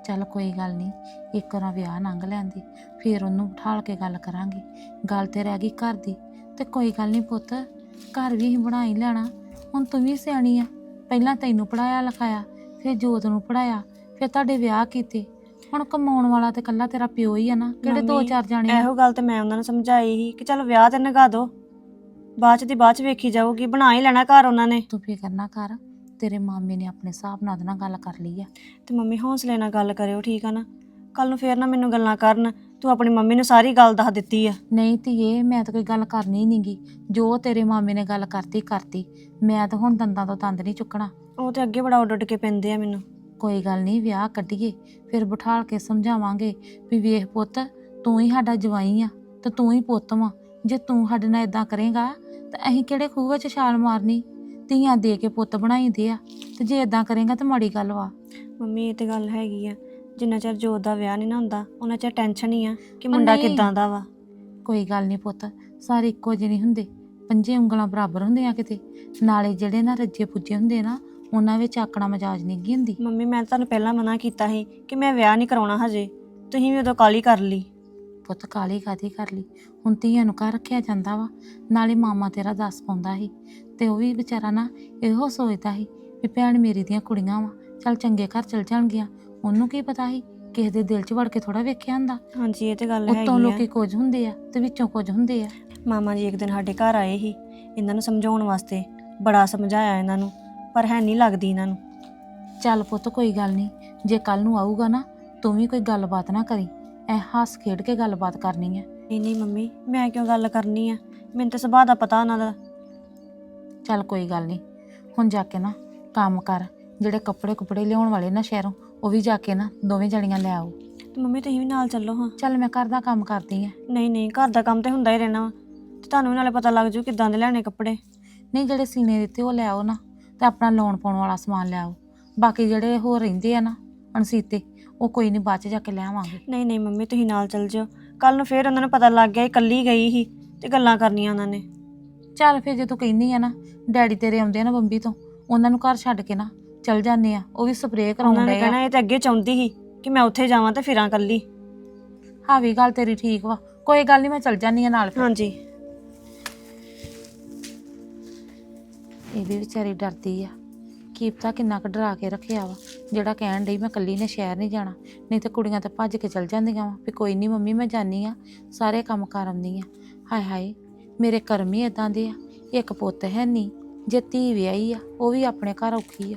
ਚੱਲ ਕੋਈ ਗੱਲ ਨਹੀਂ, ਇੱਕ ਵਾਰ ਵਿਆਹ ਲੰਘ ਲੈਂਦੀ, ਫਿਰ ਉਹਨੂੰ ਬਿਠਾਲ ਕੇ ਗੱਲ ਕਰਾਂਗੇ। ਗੱਲ ਤੇ ਰਹਿ ਗਈ ਘਰ ਦੀ, ਤੇ ਕੋਈ ਗੱਲ ਨਹੀਂ ਪੁੱਤ, ਘਰ ਵੀ ਅਸੀਂ ਬਣਾ ਹੀ ਲੈਣਾ। ਹੁਣ ਤੂੰ ਵੀ ਸਿਆਣੀ ਆ, ਪਹਿਲਾਂ ਤੈਨੂੰ ਪੜਾਇਆ ਲਿਖਾਇਆ, ਫਿਰ ਜੋਤ ਨੂੰ ਪੜਾਇਆ, ਫਿਰ ਤੁਹਾਡੇ ਵਿਆਹ ਕੀਤੇ। ਹੁਣ ਕਮਾਉਣ ਵਾਲਾ ਤੇ ਕੱਲਾ ਤੇਰਾ ਪਿਓ ਹੀ ਆ ਨਾ, ਕਿਹੜੇ ਦੋ ਮੰਮੀ, ਚਾਰ ਜਾਣੇ ਆ। ਇਹੋ ਗੱਲ ਤੇ ਮੈਂ ਉਹਨਾਂ ਨੂੰ ਸਮਝਾਈ ਸੀ ਕਿ ਚਲ ਵਿਆਹ ਤੇ ਨਗਾ ਦੋ, ਬਾਅਦ ਚ ਦੀ ਬਾਅਦ ਚ ਵੇਖੀ ਜਾਊਗੀ, ਬਣਾ ਹੀ ਲੈਣਾ ਘਰ ਉਹਨਾਂ ਨੇ। ਤੂੰ ਫਿਕਰ ਨਾ ਕਰ, ਤੇਰੇ ਮਾਮੇ ਨੇ ਆਪਣੇ ਹਿਸਾਬ ਨਾਲ ਉਹਦੇ ਨਾਲ ਗੱਲ ਕਰ ਲਈ ਆ। ਤੇ ਮੰਮੀ ਹੌਸਲੇ ਨਾਲ ਗੱਲ ਕਰਿਓ, ਠੀਕ ਆ ਨਾ? ਕੱਲ ਨੂੰ ਫੇਰ ਨਾ ਮੈਨੂੰ ਗੱਲਾਂ ਕਰਨ, ਤੂੰ ਆਪਣੀ ਮੰਮੀ ਨੂੰ ਸਾਰੀ ਗੱਲ ਦੱਸ ਦਿੱਤੀ ਆ। ਨਹੀਂ ਧੀਏ, ਮੈਂ ਤਾਂ ਕੋਈ ਗੱਲ ਕਰਨੀ ਨਹੀਂਗੀ, ਜੋ ਤੇਰੇ ਮਾਮੇ ਨੇ ਗੱਲ ਕਰਤੀ ਕਰਤੀ, ਮੈਂ ਤਾਂ ਹੁਣ ਦੰਦਾਂ ਤੋਂ ਦੰਦ ਨਹੀਂ ਚੁੱਕਣਾ। ਉਹ ਤੇ ਅੱਗੇ ਬੜਾ ਉੱਡ ਉੱਡ ਕੇ ਪੈਂਦੇ ਆ ਮੈਨੂੰ। ਕੋਈ ਗੱਲ ਨਹੀਂ, ਵਿਆਹ ਕੱਢੀਏ, ਫਿਰ ਬਿਠਾਲ ਕੇ ਸਮਝਾਵਾਂਗੇ ਵੀ ਵੇਖ ਪੁੱਤ, ਤੂੰ ਹੀ ਸਾਡਾ ਜਵਾਈ ਆ ਤੇ ਤੂੰ ਹੀ ਪੁੱਤ ਵਾ। ਜੇ ਤੂੰ ਸਾਡੇ ਨਾਲ ਇਦਾਂ ਕਰੇਗਾ ਤਾਂ ਅਸੀਂ ਕਿਹੜੇ ਖੂਹ ਵਿੱਚ ਛਾਲ ਮਾਰਨੀ? ਧੀਆਂ ਦੇ ਕੇ ਪੁੱਤ ਬਣਾਈਦੇ ਆ, ਤੇ ਜੇ ਇਦਾਂ ਕਰੇਗਾ ਤਾਂ ਮਾੜੀ ਗੱਲ ਵਾ। ਮੰਮੀ ਇਹ ਤੇ ਗੱਲ ਹੈਗੀ ਆ, ਜਿੰਨਾ ਚਿਰ ਜੋਤ ਦਾ ਵਿਆਹ ਨਹੀਂ ਨਾ ਹੁੰਦਾ ਉਹਨਾਂ ਚਿਰ ਟੈਨਸ਼ਨ ਹੀ ਆ ਕਿ ਮੁੰਡਾ ਨਹੀਂ। ਕਿੱਦਾਂ ਦਾ ਵਾ। ਕੋਈ ਗੱਲ ਨਹੀਂ ਪੁੱਤ, ਸਾਰੇ ਇੱਕੋ ਜਿਹੇ ਨਹੀਂ ਹੁੰਦੇ, ਪੰਜੇ ਉਂਗਲਾਂ ਬਰਾਬਰ ਹੁੰਦੀਆਂ ਕਿਤੇ। ਨਾਲੇ ਜਿਹੜੇ ਨਾ ਰੱਜੇ ਪੁੱਜੇ ਹੁੰਦੇ ਨਾ, ਉਹਨਾਂ ਵਿੱਚ ਆਕਣਾ ਮਜਾਜ ਨਹੀਂ ਗੀ ਹੁੰਦੀ। ਮੰਮੀ ਮੈਂ ਤੁਹਾਨੂੰ ਪਹਿਲਾਂ ਮਨਾ ਕੀਤਾ ਸੀ ਕਿ ਮੈਂ ਵਿਆਹ ਨਹੀਂ ਕਰਾਉਣਾ ਹਜੇ, ਤੁਸੀਂ ਵੀ ਉਦੋਂ ਕਾਹਲੀ ਕਰ ਲਈ। ਪੁੱਤ ਕਾਲੀ ਕਾਦੀ ਕਰ ਲਈ, ਹੁਣ ਧੀਆਂ ਨੂੰ ਘਰ ਰੱਖਿਆ ਜਾਂਦਾ ਵਾ। ਨਾਲੇ ਮਾਮਾ ਤੇਰਾ ਦੱਸ ਪਾਉਂਦਾ ਸੀ, ਤੇ ਉਹ ਵੀ ਵਿਚਾਰਾ ਨਾ ਇਹੋ ਸੋਚਦਾ ਸੀ ਵੀ ਭੈਣ ਮੇਰੀ ਦੀਆਂ ਕੁੜੀਆਂ ਵਾ, ਚੱਲ ਚੰਗੇ ਘਰ ਚਲ ਜਾਣਗੀਆਂ। ਉਹਨੂੰ ਕੀ ਪਤਾ ਸੀ ਕਿਸੇ ਦੇ ਦਿਲ 'ਚ ਵੜ ਕੇ ਥੋੜਾ ਵੇਖਿਆ ਹੁੰਦਾ। ਹਾਂਜੀ ਇਹ ਤੇ ਗੱਲ ਉੱਤੋਂ ਹੈਗੀ ਲੋਕੀ ਆ। ਕੁਝ ਹੁੰਦੇ ਆ ਤੇ ਵਿੱਚੋਂ ਕੁਝ ਹੁੰਦੇ ਆ। ਮਾਮਾ ਜੀ ਇੱਕ ਦਿਨ ਸਾਡੇ ਘਰ ਆਏ ਸੀ ਇਹਨਾਂ ਨੂੰ ਸਮਝਾਉਣ ਵਾਸਤੇ, ਬੜਾ ਸਮਝਾਇਆ ਇਹਨਾਂ ਨੂੰ, ਪਰ ਹੈ ਨਹੀਂ ਲੱਗਦੀ ਇਹਨਾਂ ਨੂੰ। ਚੱਲ ਪੁੱਤ ਕੋਈ ਗੱਲ ਨਹੀਂ, ਜੇ ਕੱਲ ਨੂੰ ਆਊਗਾ ਨਾ, ਤੂੰ ਵੀ ਕੋਈ ਗੱਲਬਾਤ ਨਾ ਕਰੀ, ਐ ਹੱਸ ਖੇਡ ਕੇ ਗੱਲਬਾਤ ਕਰਨੀ ਹੈ। ਨਹੀਂ ਨਹੀਂ ਮੰਮੀ, ਮੈਂ ਕਿਉਂ ਗੱਲ ਕਰਨੀ ਆ, ਮੈਨੂੰ ਤਾਂ ਸੁਭਾਅ ਦਾ ਪਤਾ ਉਹਨਾਂ ਦਾ। ਚੱਲ ਕੋਈ ਗੱਲ ਨਹੀਂ, ਹੁਣ ਜਾ ਕੇ ਨਾ ਕੰਮ ਕਰ, ਜਿਹੜੇ ਕੱਪੜੇ ਕੁਪੜੇ ਲਿਆਉਣ ਵਾਲੇ ਨਾ ਸ਼ਹਿਰੋਂ, ਉਹ ਵੀ ਜਾ ਕੇ ਨਾ ਦੋਵੇਂ ਜਣੀਆਂ ਲੈ ਆਓ। ਤੇ ਮੰਮੀ ਤੁਸੀਂ ਵੀ ਨਾਲ ਚੱਲੋ ਹਾਂ। ਚੱਲ ਮੈਂ ਘਰ ਦਾ ਕੰਮ ਕਰਦੀ ਆ। ਨਹੀਂ ਨਹੀਂ, ਘਰ ਦਾ ਕੰਮ ਤੇ ਹੁੰਦਾ ਹੀ ਰਹਿਣਾ ਵਾ, ਤੇ ਤੁਹਾਨੂੰ ਵੀ ਨਾਲੇ ਪਤਾ ਲੱਗ ਜੂ ਕਿੱਦਾਂ ਦੇ ਲੈਣੇ ਕੱਪੜੇ। ਨਹੀਂ ਜਿਹੜੇ ਸੀਨੇ ਦਿੱਤੇ ਉਹ ਲੈ ਆਓ ਨਾ, ਤੇ ਆਪਣਾ ਲਾਉਣ ਪਾਉਣ ਵਾਲਾ ਸਮਾਨ ਲੈ ਆਓ। ਬਾਕੀ ਜਿਹੜੇ ਹੋਰ ਰਹਿੰਦੇ ਆ ਨਾ ਅਣਸੀਤੇ, ਉਹ ਕੋਈ ਨਹੀਂ ਬਾਅਦ ਚ ਜਾ ਕੇ ਲੈ ਆਵਾਂਗੇ। ਨਹੀਂ ਨਹੀਂ ਮੰਮੀ, ਤੁਸੀਂ ਨਾਲ ਚੱਲ ਜਾਓ, ਕੱਲ ਨੂੰ ਫੇਰ ਉਹਨਾਂ ਨੂੰ ਪਤਾ ਲੱਗ ਗਿਆ ਇਕੱਲੀ ਗਈ ਸੀ ਤੇ ਗੱਲਾਂ ਕਰਨੀਆਂ ਉਹਨਾਂ ਨੇ। ਚੱਲ ਫਿਰ ਜੇ ਤੂੰ ਕਹਿੰਦੀ ਆ ਨਾ, ਡੈਡੀ ਤੇਰੇ ਆਉਂਦੇ ਆ ਨਾ ਬੰਬੀ ਤੋਂ, ਉਹਨਾਂ ਨੂੰ ਘਰ ਛੱਡ ਕੇ ਨਾ ਚੱਲ ਜਾਂਦੇ ਆ, ਉਹ ਵੀ ਸਪਰੇਅ ਉਹਨਾਂ ਕਰਾਉਣ ਨੇ ਡਏ ਆ। ਕਹਿਣਾ ਇਹ ਤਾਂ ਅੱਗੇ ਚਾਹੁੰਦੀ ਸੀ ਕਿ ਮੈਂ ਉੱਥੇ ਜਾਵਾਂ ਤੇ ਫਿਰਾਂ ਇਕੱਲੀ। ਹਾਂ ਵੀ ਗੱਲ ਤੇਰੀ ਠੀਕ ਵਾ, ਕੋਈ ਗੱਲ ਨਹੀਂ, ਮੈਂ ਚੱਲ ਜਾਂਦੀ ਆ ਨਾਲ ਫਿਰ। ਹਾਂਜੀ। ਇਹ ਵੀ ਵਿਚਾਰੀ ਡਰਦੀ ਆ, ਕੀ ਪਤਾ ਕਿੰਨਾ ਕੁ ਡਰਾ ਕੇ ਰੱਖਿਆ ਵਾ, ਜਿਹੜਾ ਕਹਿਣ ਡਈ ਮੈਂ ਕੱਲੀ ਨੇ ਸ਼ਹਿਰ ਨਹੀਂ ਜਾਣਾ। ਨਹੀਂ ਤਾਂ ਕੁੜੀਆਂ ਤਾਂ ਭੱਜ ਕੇ ਚੱਲ ਜਾਂਦੀਆਂ ਵਾ ਵੀ ਕੋਈ ਨਹੀਂ ਮੰਮੀ ਮੈਂ ਜਾਨੀ ਆ, ਸਾਰੇ ਕੰਮ ਕਰ ਆਉਂਦੀ ਆ। ਹਾਏ ਹਾਏ, ਮੇਰੇ ਕਰਮ ਹੀ ਇਦਾਂ ਦੇ ਆ, ਇੱਕ ਪੁੱਤ ਹੈ ਨਹੀਂ, ਜੇ ਧੀ ਵਿਆਹੀ ਆ ਉਹ ਵੀ ਆਪਣੇ ਘਰ ਔਖੀ ਆ।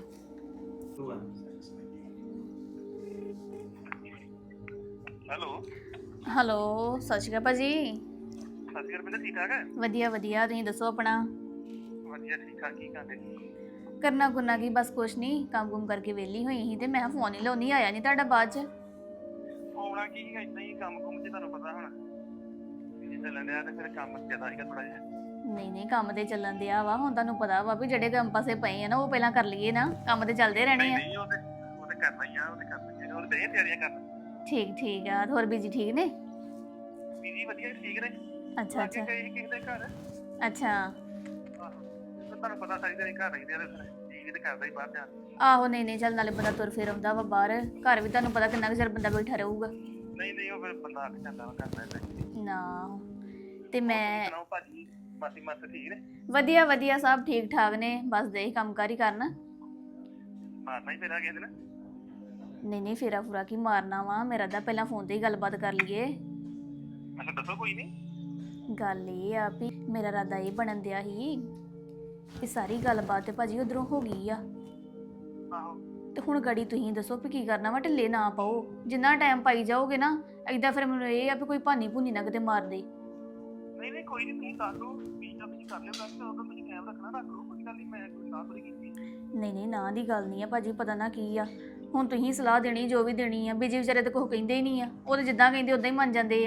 ਹੈਲੋ ਹੈਲੋ, ਸਤਿ ਸ਼੍ਰੀ ਅਕਾਲ ਭਾਜੀ। ਸਤਿ ਸ਼੍ਰੀ ਅਕਾਲ, ਠੀਕ ਠਾਕ ਹੈ? ਵਧੀਆ ਵਧੀਆ, ਤੁਸੀਂ ਦੱਸੋ ਆਪਣਾ। ਵਧੀਆ ਠੀਕ ਠਾਕ, ਕੀ ਕਰਦੇ? ਕਰਨਾ ਕੁਰਨਾ ਕੀ, ਬਸ ਕੁਛ ਨਹੀਂ, ਕੰਮ ਕੁਮ ਕਰਕੇ ਵਿਹਲੀ ਹੋਈ ਸੀ ਤੇ ਮੈਂ ਫੋਨ ਹੀ ਲਾਉਣੀ, ਆਇਆ ਨਹੀਂ ਤੁਹਾਡਾ ਬਾਅਦ ਚ। ਆਉਣਾ ਕੀ ਹੈ, ਇਦਾਂ ਹੀ ਕੰਮ ਕੁਮ ਚ ਤੁਹਾਨੂੰ ਪਤਾ ਹੁਣ ਜੇ ਚੱਲਣ ਡਿਆ ਤੇ ਫਿਰ ਕੰਮ ਜ਼ਿਆਦਾ ਸੀਗਾ ਥੋੜਾ ਜਿਹਾ। ਨਹੀਂ ਨਹੀਂ, ਕੰਮ ਤੇ ਚੱਲਣ ਦਿਆ ਵਾ, ਹੁਣ ਤੁਹਾਨੂੰ ਪਤਾ ਵਾ ਵੀ ਜਿਹੜੇ ਕੰਮ ਪਾਸੇ ਪਏ ਆ ਨਾ ਉਹ ਪਹਿਲਾਂ ਕਰ ਲਈਏ ਨਾ, ਕੰਮ ਤੇ ਚੱਲਦੇ ਰਹਿਣੇ ਆ। ਨਹੀਂ ਉਹ ਤੇ ਉਹ ਤੇ ਕਰਨਾ ਹੀ ਆ, ਉਹ ਤੇ ਕਰਨਾ ਹੀ ਆ, ਉਹ ਤੇ ਤਿਆਰੀਆਂ ਕਰਨ। ਠੀਕ ਠੀਕ ਆ, ਹੋਰ ਬੀਜੀ ਠੀਕ ਨੇ? ਬੀਜੀ ਵਧੀਆ ਠੀਕ ਨੇ। ਅੱਛਾ ਅੱਛਾ ਗਏ ਸੀ ਕਿਸੇ ਦੇ ਘਰ। ਅੱਛਾ। ਆਹੋ, ਤੇ ਤੁਹਾਨੂੰ ਪਤਾ ਸਾਰੀ ਦਿਹਾੜੀ ਘਰ ਰਹਿੰਦੇ ਆ ਤੇ ਫਿਰ ਜੀ ਵੀ ਤੇ ਕਰਦਾ ਹੀ ਬਾਹਰ ਜਾਣ ਨੂੰ। ਆਹੋ ਨਹੀਂ ਨਹੀਂ, ਚੱਲ ਨਾਲੇ ਬੰਦਾ ਤੁਰ ਫਿਰ ਆਉਂਦਾ ਵਾ ਬਾਹਰ, ਘਰ ਵੀ ਤੁਹਾਨੂੰ ਪਤਾ ਕਿੰਨਾ ਕੁ ਚਿਰ ਬੰਦਾ ਬੈਠਾ ਰਹੂਗਾ। ਨਹੀਂ ਨਹੀਂ, ਉਹ ਫਿਰ ਬੰਦਾ ਅੱਖ ਜਾਂਦਾ ਵਾ ਕਰਦਾ ਏਦਾਂ। ਨਾ ਤੇ ਮੈਂ ਸੁਣਾਓ ਭਾਜੀ, ਮਾਸੀ ਮਾਸੀ ਠੀਕ ਨੇ? ਵਧੀਆ ਵਧੀਆ, ਸਭ ਠੀਕ ਠਾਕ ਨੇ, ਬਸ ਦੇ ਕੰਮ ਕਾਰ ਹੀ ਕਰਨ। ਮਾਰਨਾ ਹੀ ਫੇਰਾ ਕਿਸੇ ਦਿਨ। ਨਹੀਂ ਨਹੀਂ, ਫੇਰਾ ਫੁਰਾ ਕੀ ਮਾਰਨਾ ਵਾ, ਮੇਰਾ ਤਾਂ ਪਹਿਲਾਂ ਫੋਨ ਤੇ ਹੀ ਗੱਲਬਾਤ ਕਰ ਲਈਏ। ਅੱਛਾ ਦੱਸੋ, ਕੋਈ ਨਹੀਂ। ਗੱਲ ਇਹ ਆ ਵੀ ਮੇਰਾ ਇਰਾਦਾ ਇਹ ਬਣਨ ਦਿਆ ਸੀ ਕਿ ਸਾਰੀ ਗੱਲਬਾਤ ਤੇ ਭਾਜੀ ਉਧਰੋਂ ਹੋ ਗਈ ਆ, ਆਹੋ ਤੇ ਹੁਣ ਗੜੀ ਤੁਸੀਂ ਦੱਸੋ ਵੀ ਕੀ ਕਰਨਾ ਵਾ। ਢਿੱਲੇ ਨਾ ਪਾਓ, ਜਿੰਨਾ ਟਾਈਮ ਪਾਈ ਜਾਓਗੇ ਨਾ ਏਦਾਂ, ਫਿਰ ਮੈਨੂੰ ਇਹ ਆ ਵੀ ਕੋਈ ਭਾਨੀ ਭੂਨੀ ਨਾ ਕਿਤੇ ਮਾਰ ਦੇ। ਨਹੀਂ ਨਹੀਂ, ਕੋਈ ਨਹੀਂ, ਤੁਸੀਂ ਕਰ ਲਓ, ਵੀ ਜਾਂ ਤੁਸੀਂ ਕਰ ਲਿਓ ਗੱਲ, ਤੇ ਉਦੋਂ ਤੁਸੀਂ ਟਾਈਮ ਰੱਖਣਾ ਰੱਖ ਲਓ, ਕੋਈ ਗੱਲ ਨਹੀਂ, ਮੈਂ ਕੋਈ ਸਾਥ ਨਹੀਂ ਕੀਤੀ। ਨਹੀਂ ਨਹੀਂ, ਨਾ ਦੀ ਗੱਲ ਨਹੀਂ ਆ ਭਾਜੀ, ਪਤਾ ਨਾ ਕੀ ਆ, ਹੁਣ ਤੁਸੀਂ ਸਲਾਹ ਦੇਣੀ ਜੋ ਵੀ ਦੇਣੀ ਆ, ਬੀਜੀ ਵਿਚਾਰੇ ਤਾਂ ਕੁਛ ਕਹਿੰਦੇ ਹੀ ਨਹੀਂ ਆ, ਉਹ ਤਾਂ ਜਿੱਦਾਂ ਕਹਿੰਦੇ ਉਦਾਂ ਹੀ ਮੰਨ ਜਾਂਦੇ ਆ।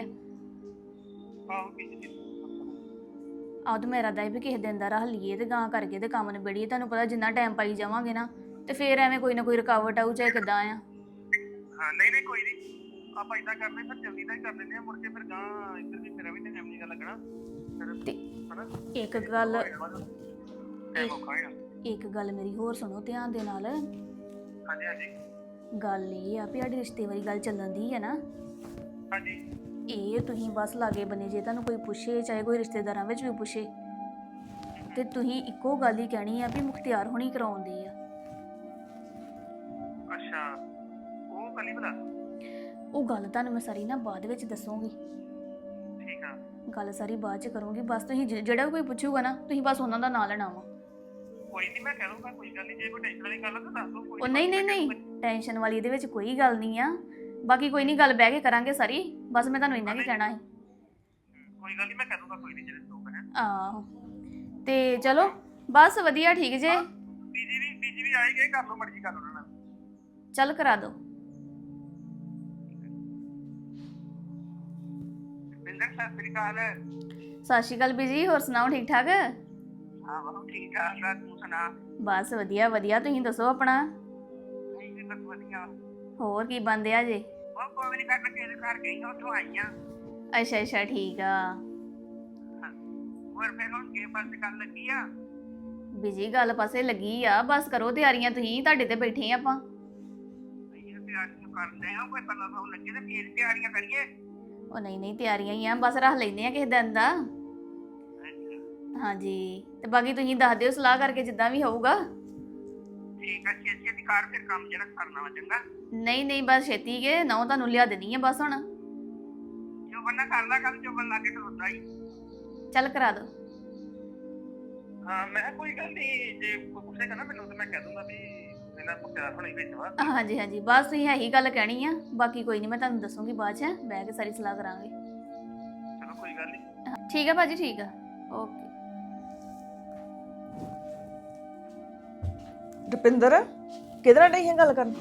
ਆਹੋ ਕੀ ਜੀ। ਆਹ ਤਾਂ ਮੇਰਾ ਦਾ ਵੀ ਕਿਸੇ ਦਿਨ ਦਾ ਰੱਖ ਲਈਏ ਤੇ ਗਾਂ ਕਰਕੇ ਤੇ ਕੰਮ ਨਿਬੇੜੀਏ। ਤੁਹਾਨੂੰ ਪਤਾ ਜਿੰਨਾ ਟਾਈਮ ਪਾਈ ਜਾਵਾਂਗੇ ਨਾ ਤੇ ਫੇਰ ਐਵੇਂ ਕੋਈ ਨਾ ਕੋਈ ਰੁਕਾਵਟ ਆਊ, ਚਾਹੇ ਕਿੱਦਾਂ ਆ। ਹਾਂ ਨਹੀਂ ਨਹੀਂ, ਕੋਈ ਨਹੀਂ, ਆਪਾਂ ਇਦਾਂ ਕਰਦੇ ਫਿਰ ਜਲਦੀ ਦਾ ਹੀ ਕਰ ਲੈਂਦੇ ਆ, ਮੁੜ ਕੇ ਫਿਰ ਗਾਂ ਇੱਧਰ ਵੀ ਮੇਰਾ ਵੀ ਟਾਈਮ ਨਹੀਂ ਗਾ ਲੱਗਣਾ ਫਿਰ, ਤੇ ਹਨਾ? ਇੱਕ ਗੱਲ ਟਾਈਮ ਔਖਾ ਹੈਗਾ। ਇੱਕ ਗੱਲ ਮੇਰੀ ਹੋਰ ਸੁਣੋ ਧਿਆਨ ਦੇ ਨਾਲ। ਹਾਂਜੀ ਹਾਂਜੀ। ਗੱਲ ਇਹ ਆ ਵੀ ਸਾਡੀ ਰਿਸ਼ਤੇ ਵਾਲੀ ਗੱਲ ਚੱਲਣ ਦੀ ਹੈ ਨਾ। ਹਾਂਜੀ ਇਹ ਤੁਸੀਂ ਬਸ ਲਾਗੇ ਬਨੇ ਜੇ ਤੁਹਾਨੂੰ ਕੋਈ ਪੁੱਛੇ, ਚਾਹੇ ਕੋਈ ਰਿਸ਼ਤੇਦਾਰਾਂ ਵਿੱਚ ਵੀ ਪੁੱਛੇ, ਤੇ ਤੁਸੀਂ ਇੱਕੋ ਗੱਲ ਹੀ ਕਹਿਣੀ ਆ ਵੀ ਮੁਖਤਿਆਰ ਹੋਣੀ ਕਰਾਉਂਦੇ ਆ। ਅੱਛਾ ਉਹ ਕੱਲੀ ਬਲਾ ਉਹ ਗੱਲ ਤੁਹਾਨੂੰ ਮੈਂ ਸਾਰੀ ਨਾ ਬਾਅਦ ਵਿੱਚ ਦੱਸੂਗੀ। ਠੀਕ ਆ ਗੱਲ ਸਾਰੀ ਬਾਅਦ ਚ ਕਰੂੰਗੀ। ਬਸ ਤੁਸੀਂ ਜ- ਜਿਹੜਾ ਵੀ ਕੋਈ ਪੁੱਛੂਗਾ ਨਾ ਤੁਸੀਂ ਬਸ ਉਹਨਾਂ ਦਾ ਨਾਂ ਲੈਣਾ ਵਾ। ਕੋਈ ਨਹੀਂ ਮੈਂ ਕਹਿ ਦੂੰਗਾ, ਕੋਈ ਗੱਲ ਨਹੀਂ। ਜੇ ਕੋਈ ਟੈਨਸ਼ਨ ਵਾਲੀ ਗੱਲ ਆ ਤਾਂ ਦੱਸ ਦੋ। ਕੋਈ ਉਹ ਨਹੀਂ ਨਹੀਂ ਨਹੀਂ ਟੈਨਸ਼ਨ ਵਾਲੀ ਇਹਦੇ ਵਿੱਚ ਕੋਈ ਗੱਲ ਨਹੀਂ ਆ। ਬਾਕੀ ਕੋਈ ਨਹੀਂ, ਗੱਲ ਬਹਿ ਕੇ ਕਰਾਂਗੇ ਸਾਰੀ। ਬਸ ਮੈਂ ਤੁਹਾਨੂੰ ਇੰਨਾ ਕੀ ਕਹਿਣਾ ਸੀ। ਕੋਈ ਗੱਲ ਨਹੀਂ ਮੈਂ ਕਹਿ ਦੂੰਗਾ, ਕੋਈ ਨਹੀਂ। ਜਿਹੜੇ ਲੋਕ ਹੈ ਆਹੋ ਤੇ ਚਲੋ ਬਸ ਵਧੀਆ ਠੀਕ ਜੇ। ਬੀਜੀ ਵੀ ਬੀਜੀ ਵੀ ਆਏ ਗਏ, ਕਰ ਲਓ ਮਰਜ਼ੀ ਕਰ ਉਹਨਾਂ ਨਾਲ। ਚੱਲ ਕਰਾ ਦੋ। ਬਿੰਦਰ ਸਤਿ ਸ੍ਰੀ ਅਕਾਲ। ਸਤਿ ਸ਼੍ਰੀ ਅਕਾਲ ਬੀਜੀ, ਹੋਰ ਸੁਣਾਓ ਠੀਕ ਠਾਕ? ਹਾਂ ਬਹੁਤ ਠੀਕ ਠਾਕ ਆ, ਤੂੰ ਸੁਣਾ? ਬਸ ਵਧੀਆ ਵਧੀਆ, ਤੁਸੀਂ ਦੱਸੋ ਆਪਣਾ। ਨਹੀਂ ਵੀ ਬਸ ਵਧੀਆ। ਹੋਰ ਕੀ ਬੰਦਿਆ ਜੇ? ਉਹ ਕੋਈ ਨਹੀਂ, ਕਰ ਕੇ ਘਰ ਗਈ ਹਾਂ, ਉੱਥੋਂ ਆਈ ਆ। ਅੱਛਾ ਅੱਛਾ ਠੀਕ ਆ। ਹੋਰ ਫਿਰ ਹੁਣ ਕੀ ਪਾਸੇ ਗੱਲ ਲੱਗੀ ਆ? ਬੀਜੀ ਗੱਲ ਪਾਸੇ ਲੱਗੀ ਆ, ਬਸ ਕਰੋ ਤਿਆਰੀਆਂ ਤੁਸੀਂ, ਤੁਹਾਡੇ ਤੇ ਬੈਠੇ ਆ ਆਪਾਂ। ਇਹ ਤਿਆਰੀਆਂ ਕਰਦੇ ਆ, ਕੋਈ ਪਤਾ ਤਾਂ ਲੱਗੇ ਤੇ ਫੇਰ ਤਿਆਰੀਆਂ ਕਰੀਏ। ਉਹ ਨਹੀਂ ਨਹੀਂ ਤਿਆਰੀਆਂ ਹੀ ਆ, ਬਸ ਰੱਖ ਲੈਂਦੇ ਆ ਕਿਸੇ ਦਿਨ ਦਾ। ਹਾਂਜੀ ਤੇ ਬਾਕੀ ਤੁਸੀਂ ਦੱਸ ਦਿਓ ਸਲਾਹ ਕਰਕੇ ਜਿੱਦਾਂ ਵੀ ਹੋਊਗਾ। ਠੀਕ ਆ, ਛੇਤੀ ਛੇਤੀ ਕਰ ਫਿਰ ਕੰਮ ਜਿਹੜਾ ਕਰਨਾ ਵਾ, ਚੰਗਾ? ਨਹੀਂ ਨਹੀਂ ਬਸ ਛੇਤੀ ਕੇ ਨਹੁੰ ਤੁਹਾਨੂੰ ਲਿਆ ਦੇਣੀ ਆ ਬਸ ਹੁਣ। ਜੋ ਬੰਦਾ ਕਰਦਾ ਕੰਮ, ਜੋ ਬੰਦਾ ਕੇ ਖਲੋਤਾ ਹੀ। ਚੱਲ ਕਰਾ ਦੋ। ਹਾਂ ਮੈਂ ਕਿਹਾ ਕੋਈ ਗੱਲ ਨਹੀਂ, ਜੇ ਕੋਈ ਪੁੱਛੇਗਾ ਨਾ ਮੈਨੂੰ ਤਾਂ ਮੈਂ ਕਹਿ ਦੂੰਗਾ ਵੀ ਇਹਨਾਂ ਨੂੰ ਪਿਆਰ ਹੋਣੀ ਵਿੱਚ ਵਾ। ਹਾਂਜੀ ਹਾਂਜੀ ਬਸ ਤੁਸੀਂ ਇਹੀ ਗੱਲ ਕਹਿਣੀ ਆ, ਬਾਕੀ ਕੋਈ ਨਹੀਂ ਮੈਂ ਤੁਹਾਨੂੰ ਦੱਸੂਗੀ ਬਾਅਦ ਚ, ਬਹਿ ਕੇ ਸਾਰੀ ਸਲਾਹ ਕਰਾਂਗੇ। ਚਲੋ ਕੋਈ ਗੱਲ ਨਹੀਂ। ਠੀਕ ਆ ਭਾਜੀ, ਠੀਕ ਆ, ਓਕੇ। ਰੁਪਿੰਦਰ ਕਿਹਦੇ ਨਾਲ ਡਈ ਹੈ ਗੱਲ ਕਰਨ?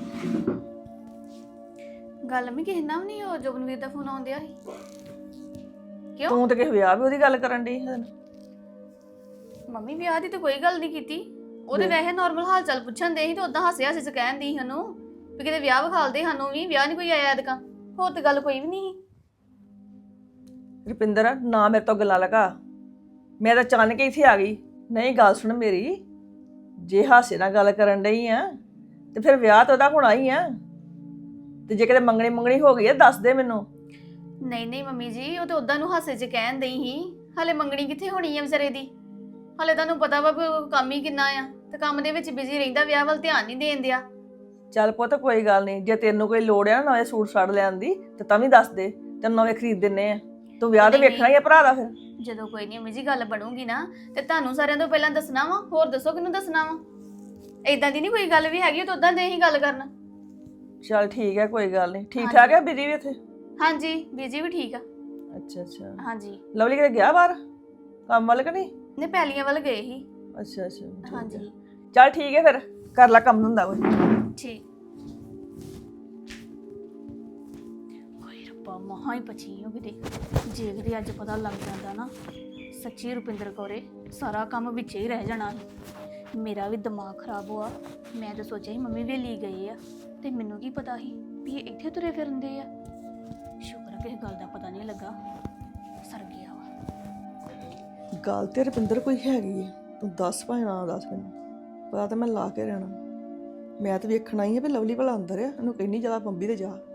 ਗੱਲ ਮੈਂ ਕਿਸੇ ਨਾਲ ਵੀ ਨਹੀਂ, ਉਹ ਜੋਬਨਵੀਰ ਦਾ ਫੋਨ ਆਉਂਦਿਆ ਸੀ। ਕਿਉਂ? ਤੂੰ ਤੇ ਕਿਸੇ ਵਿਆਹ ਵੀ ਉਹਦੀ ਗੱਲ ਕਰਨ ਡਈ ਹੈ। ਮੰਮੀ ਵਿਆਹ ਦੀ ਤਾਂ ਕੋਈ ਗੱਲ ਨਹੀਂ ਕੀਤੀ, ਉਹਦੇ ਵੈਸੇ ਨਾਰਮਲ ਹਾਲ ਚਾਲ ਪੁੱਛਣ ਦੇ ਸੀ ਤੇ ਉਦਾਂ ਹਾਸੇ ਹਾਸੇ ਚ ਕਹਿਣ ਦੀ ਸਾਨੂੰ ਵੀ ਕਿਤੇ ਵਿਆਹ ਵਿਖਾਲਦੇ ਸਾਨੂੰ ਵੀ, ਵਿਆਹ ਨਹੀਂ ਕੋਈ ਆਇਆ ਅਦਕਾ, ਹੋਰ ਤੇ ਗੱਲ ਕੋਈ ਵੀ ਨਹੀਂ ਸੀ। ਰੁਪਿੰਦਰ ਨਾ ਮੇਰੇ ਤੋਂ ਗੱਲਾਂ ਲਗਾ, ਮੈਂ ਤਾਂ ਅਚਾਨਕ ਹੀ ਇੱਥੇ ਆ ਗਈ। ਨਹੀਂ ਗੱਲ ਸੁਣ ਮੇਰੀ, ਜੇ ਹਾਸੇ ਨਾਲ ਗੱਲ ਕਰਨ ਡਈ ਆ ਤੇ ਫਿਰ ਵਿਆਹ ਤਾਂ ਉਹਦਾ ਹੋਣਾ ਹੀ ਆ। ਤੇ ਜੇ ਕਿਤੇ ਮੰਗਣੀ ਮੰਗਣੀ ਹੋ ਗਈ ਆ ਦੱਸ ਦੇ ਮੈਨੂੰ। ਨਹੀਂ ਨਹੀਂ ਮੰਮੀ ਜੀ, ਉਹ ਤੇ ਉਦਾਂ ਨੂੰ ਹਾਸੇ ਚ ਕਹਿਣ ਦਈ ਸੀ, ਹਲੇ ਮੰਗਣੀ ਕਿੱਥੇ ਹੋਣੀ ਆ ਵਿਚਾਰੇ ਦੀ। ਹਲੇ ਤੁਹਾਨੂੰ ਪਤਾ ਵਾ ਵੀ ਉਹ ਕੰਮ ਹੀ ਕਿੰਨਾ ਆ, ਤੇ ਕੰਮ ਦੇ ਵਿੱਚ ਬਿਜ਼ੀ ਰਹਿੰਦਾ, ਵਿਆਹ ਵੱਲ ਧਿਆਨ ਨਹੀਂ ਦੇਣ ਦਿਆ। ਚੱਲ ਪੁੱਤ ਕੋਈ ਗੱਲ ਨਹੀਂ, ਜੇ ਤੈਨੂੰ ਕੋਈ ਲੋੜ ਆ ਨਾ ਨਵੇਂ ਸੂਟ ਸਾੜ ਲੈਣ ਦੀ ਤੇ ਤਾਂ ਵੀ ਦੱਸ ਦੇ, ਤੈਨੂੰ ਨਵੇਂ ਖਰੀਦ ਦਿੰਨੇ ਆ। ਤੂੰ ਵਿਆਹ ਤੇ ਨਹੀਂ, ਵੇਖਣਾ ਹੀ ਆ ਭਰਾ ਦਾ। ਫਿਰ ਜਦੋਂ ਕੋਈ ਨਹੀਂ ਮੰਮੀ ਜੀ ਗੱਲ ਬਣੂਗੀ ਨਾ ਤੇ ਤੁਹਾਨੂੰ ਸਾਰਿਆਂ ਤੋਂ ਪਹਿਲਾਂ ਦੱਸਣਾ ਵਾ, ਹੋਰ ਦੱਸੋ ਕਿਹਨੂੰ ਦੱਸਣਾ ਵਾ। ਏਦਾਂ ਦੀ ਨਹੀਂ ਕੋਈ ਗੱਲ ਵੀ ਹੈਗੀ, ਉਹ ਤਾਂ ਉਦਾਂ ਦੇ ਹੀ ਗੱਲ ਕਰਨਾ। ਚੱਲ ਠੀਕ ਹੈ, ਕੋਈ ਗੱਲ ਨਹੀਂ। ਠੀਕ ਠਾਕ ਹੈ ਬੀਜੀ ਵੀ ਇੱਥੇ? ਹਾਂਜੀ ਬੀਜੀ ਵੀ ਠੀਕ ਆ। ਅੱਛਾ ਅੱਛਾ। ਹਾਂਜੀ ਲਵਲੀ ਕਿਤੇ ਗਿਆ ਬਾਹਰ ਕੰਮ ਵੱਲ ਕਿ ਨਹੀਂ? ਨੇ ਪੈਲੀਆਂ ਵੱਲ ਗਏ ਸੀ। ਅੱਛਾ ਅੱਛਾ ਠੀਕ ਹੈ। ਹਾਂਜੀ ਚੱਲ ਠੀਕ ਹੈ, ਫਿਰ ਕਰ ਲੈ ਕੰਮ ਹੁੰਦਾ ਕੋਈ। ਠੀਕ। ਓਏ ਰੱਬਾ, ਮਹਾਂ ਹੀ ਪਛੀ ਹੋ ਕਿਤੇ, ਜੇ ਕਿਤੇ ਅੱਜ ਪਤਾ ਲੱਗ ਜਾਂਦਾ ਨਾ ਸੱਚੀ ਰੁਪਿੰਦਰ ਕੌਰੇ ਸਾਰਾ ਕੰਮ ਵਿੱਚੇ ਹੀ ਰਹਿ ਜਾਣਾ ਸੀ। ਮੇਰਾ ਵੀ ਦਿਮਾਗ ਖਰਾਬ ਹੋਆ। ਮੈਂ ਤਾਂ ਸੋਚਿਆ ਸੀ ਮੰਮੀ ਵੇਲੀ ਗਏ ਆ, ਤੇ ਮੈਨੂੰ ਕੀ ਪਤਾ ਸੀ ਵੀ ਇਹ ਇੱਥੇ ਤੁਰੇ ਫਿਰਦੇ ਆ। ਸ਼ੁਕਰ ਆ ਕਿਸੇ ਗੱਲ ਦਾ ਪਤਾ ਨਹੀਂ ਲੱਗਾ, ਸਰ ਗਿਆ ਵਾ। ਗੱਲ ਤੇ ਰੁਪਿੰਦਰ ਕੋਈ ਹੈਗੀ ਹੈ, ਤੂੰ ਦੱਸ ਭਾਵੇਂ ਨਾ ਦੱਸ, ਮੈਨੂੰ ਪਤਾ ਤਾਂ ਮੈਂ ਲਾ ਕੇ ਰਹਿਣਾ। ਮੈਂ ਤਾਂ ਵੇਖਣਾ ਹੀ ਹੈ ਵੀ ਲਵਲੀ ਭਲਾ ਅੰਦਰ ਆ, ਇਹਨੂੰ ਕਹਿੰਦੀ ਜ਼ਿਆਦਾ ਬੰਬੀ ਤੇ ਜਾ।